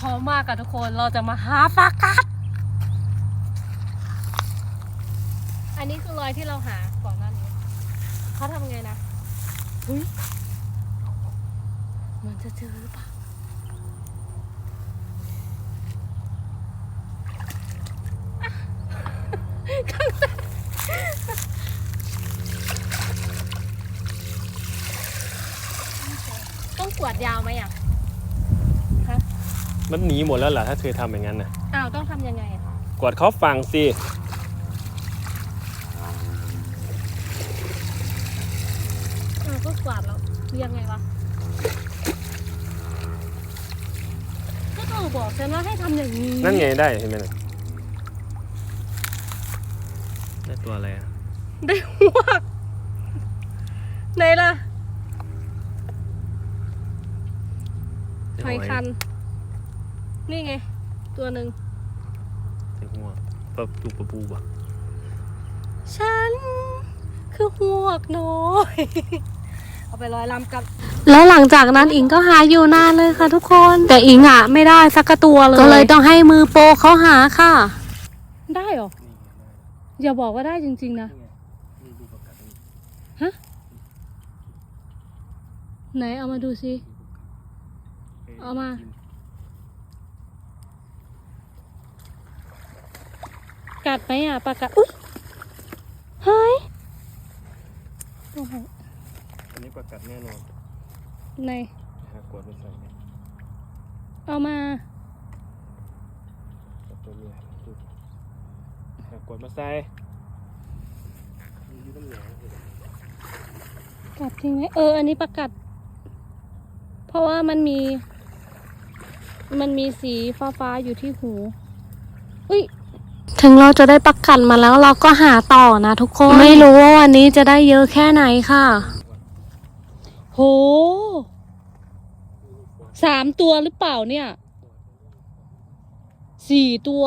พร้อมมากค่ะทุกคนเราจะมาหาปลากัดอันนี้คือรอยที่เราหาก่อนหน้านี้เขาทำไงนะอุ้ยมันจะเจอหรือเปล่าต้องกวาดยาวไหมอ่ะฮะมันหนีหมดแล้วเหรอถ้าเธอทำอย่างนั้นนะอ้าวต้องทำยังไงคะกวาดเขาฝั่งสิก็กวาดแล้วยังไงวะก็ต้องบอกฉันว่าให้ทำอย่างนี้นั่นไงได้เห็นไหมล่ะได้ตัวอะไรอ่ะได้หวกไหนล่ะหอยคันนี่ไงตัวหนึ่งใส่หัวปลาปูปลาปูป่ะฉันคือหวกน้อยเอาไป100 ลำกับแล้วหลังจากนั้นอิงก็หาอยู่นานเลยค่ะทุกคนแต่อิงอ่ะไม่ได้สักตัวเลยก็เลยต้องให้มือโปรเขาหาค่ะได้หรออย่าบอกว่าได้จริงๆนะฮะไหนเอามาดูสิเอามากัดไหมอ่ะปลากัดอุ๊ยเฮ้ยอันนี้ปลากัดแน่นอนไหนหากวดไม่ใส่เอามาตัวเมียหากวดมาใส่กัดจริงไหมอันนี้ปลากัดเพราะว่ามันมีสีฟ้าๆอยู่ที่หูอุ้ยถึงเราจะได้ประกันมาแล้วเราก็หาต่อนะทุกคนไม่รู้ว่าวันนี้จะได้เยอะแค่ไหนค่ะโห3 ตัวหรือเปล่าเนี่ย4 ตัว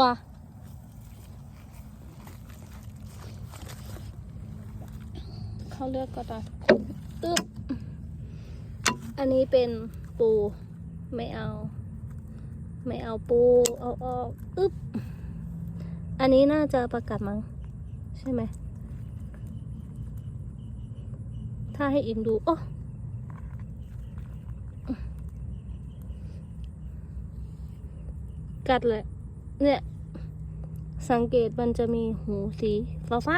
เขาเลือกก็ได้อึ๊บอันนี้เป็นปูไม่เอาปูเอาออกอึ๊บอันนี้น่าจะประกัดมั้งใช่ไหมถ้าให้อิงดูโอ้กัดเลยเนี่ยสังเกตมันจะมีหูสีฟ้า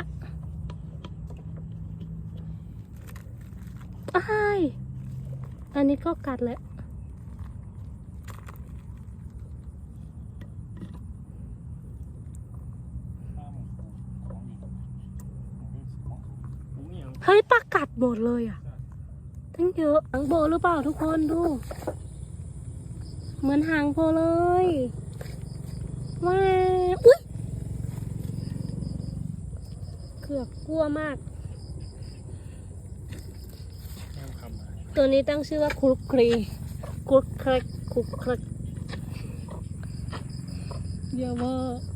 อ้ายอันนี้ก็กัดแหละเฮ้ยปลากัดหมดเลยอ่ะทั้งเยอะหางโบหรือเปล่าทุกคนดูเหมือนหางโบเลยว้าวอุ๊ยเกือบกลัวมากตัวนี้ตั้งชื่อว่าครุกครีครุกครกครุกครกเยอะมาก